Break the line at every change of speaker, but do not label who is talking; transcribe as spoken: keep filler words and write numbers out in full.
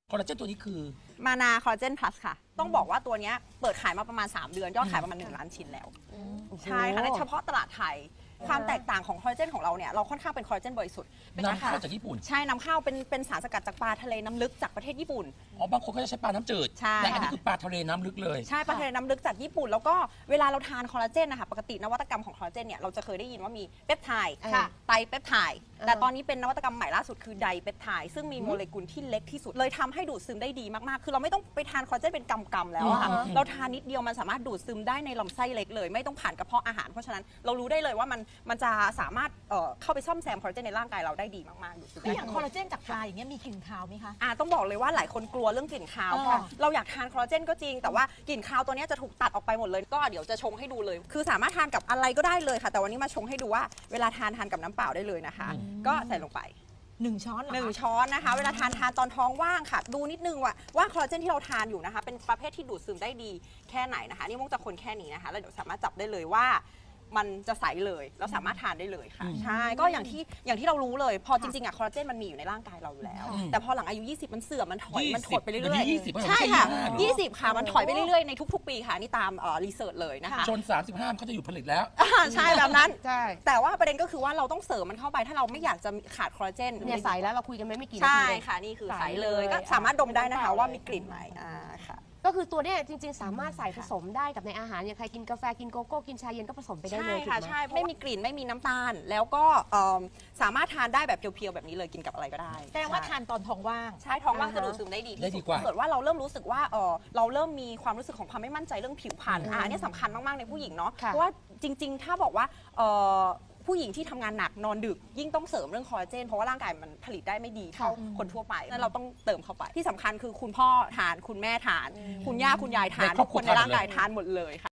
คอลลาเจนตัวนี้คือ
มานาคอลลาเจนพลัสค่ะต้องบอกว่าตัวนี้เปิดขายมาประมาณสามเดือนยอดขายประมาณหนึ่งล้านชิ้นแล้วใช่ค่ะในเฉพาะตลาดไทยความแตกต่างของคอลลาเจนของเราเนี่ยเราค่อนข้างเป็นคอลลาเจนบริสุทธิ์
นำเข้าจากญี่ปุ่น
ใช่นำเข้าเป็นเป็นสารสกัดจากปลาทะเลน้ำลึกจากประเทศญี่ปุ่น
อ๋อบางคนก็จะใช้ปลาน้ำจืด
ใช่
แต่อันนี้คือปลาทะเลน้ำลึกเลย
ใช่ปลาทะเลน้ำลึกจากญี่ปุ่นแล้วก็เวลาเราทานคอลลาเจนนะคะปกตินวัตกรรมของคอลลาเจนเนี่ยเราจะเคยได้ยินว่ามีเปปไทด์ไตรเปปไทด์แต่ตอนนี้เป็นนวัตกรรมใหม่ล่าสุดคือไดเปปไทด์ซึ่งมีโมเลกุลที่เล็กที่สุดเลยทำให้ดูดซึมได้ดีมากๆคือเราไม่ต้องไปทานคอลลาเจนเป็นกำๆแล้วค่ะเราทานนิดเดียวมันสามารถดูดซึมได้ในลำไส้เล็กเลยไม่ต้องผ่านกระเพาะอาหารเพราะฉะนั้นเรารู้ได้เลยว่ามันมันจะสามารถเข้าไปซ่อมแซมคอลลาเจนในร่างกายเราได้ดีมากๆดูดซึม
คืออย่างคอลลาเจนจากปลาอย่างเงี้ยมีกลิ่นคาวไหมคะ
อ่าต้องบอกเลยว่าหลายคนกลัวเรื่องกลิ่นคาวเพราะเราอยากทานคอลลาเจนก็จริงแต่ว่ากลิ่นคาวตัวนี้จะถูกตัดออกไปหมดเลยก็เดี๋ยวจะชงให้ดูเลย คือสามารถทานกับอะไรก็ได้เลยค่ะแต่วันนี้มาชงให้ดูว่าเวลาทานทานกับน้ำเปล่าได้เลยนะคะก็ใส่ลงไป
หนึ่งช้อนเหรอ
หนึ่งช้อนนะคะเวลาทานทานตอนท้องว่างค่ะดูนิดนึงว่าว่าคอลลาเจนที่เราทานอยู่นะคะเป็นประเภทที่ดูดซึมได้ดีแค่ไหนนะคะนี่มุกจะคนแค่นี้นะคะแล้วเดี๋ยวสามารถจับได้เลยว่ามันจะใสเลยแล้วสามารถทานได้เลยค่ะใช่ก็อย่างที่อย่างที่เรารู้เลยพอจริงๆอะคอลลาเจนมันมีอยู่ในร่างกายเราอยู่แล้วแต่พอหลังอายุยี่สิบมันเสื่อมมันถอยมันถดไปเรื่อยๆใช่ค่ะยี่สิบค่ะมันถอยไปเรื่อยๆในทุกๆปีค่ะนี่ตามรีเสิร์ชเลยนะคะ
จนสามสิบห้าเขาจะอยู่ผลิตแล้ว
ใช่แบบนั้นใช่แต่ว่าประเด็นก็คือว่าเราต้องเสริมมันเข้าไปถ้าเราไม่อยากจะขาดคอลลาเจน
เนี่ยใสแล้วเราคุยกันไม่ไม่กี่นาที
ใช่ค่ะนี่คือใสเลยก็สามารถดมได้นะคะว่ามีกลิ่นไหมอ่าค่ะ
ก็คือตัวเนี้ยจริงๆสามารถใส่ผสมได้กับในอาหารอย่างใครกินกาแฟกินโกโก้กินชาเย็นก็ผสมไปได้เลย
ใช่ค่ะใช่ไม่มีกลิ่นไม่มีน้ำตาลแล้วก็สามารถทานได้แบบเพียวๆแบบนี้เลยกินกับอะไรก็ได้
แสดงว่าทานตอนท้องว่าง
ใช่ท้องว่างจะดูดซึมได้ดีที่สุดถ้าเกิดว่าเราเริ่มรู้สึกว่าเราเริ่มมีความรู้สึกของความไม่มั่นใจเรื่องผิวพรรณอันนี้สำคัญมากๆในผู้หญิงเนาะเพราะว่าจริงๆถ้าบอกว่าผู้หญิงที่ทำงานหนักนอนดึกยิ่งต้องเสริมเรื่องคอลลาเจนเพราะว่าร่างกายมันผลิตได้ไม่ดีเท่าคนทั่วไปนั้นเราต้องเติมเข้าไปที่สำคัญคือคุณพ่อทานคุณแม่ทานคุณย่าคุณยายทานทุกคนในร่างกายทานหมดเลยค่ะ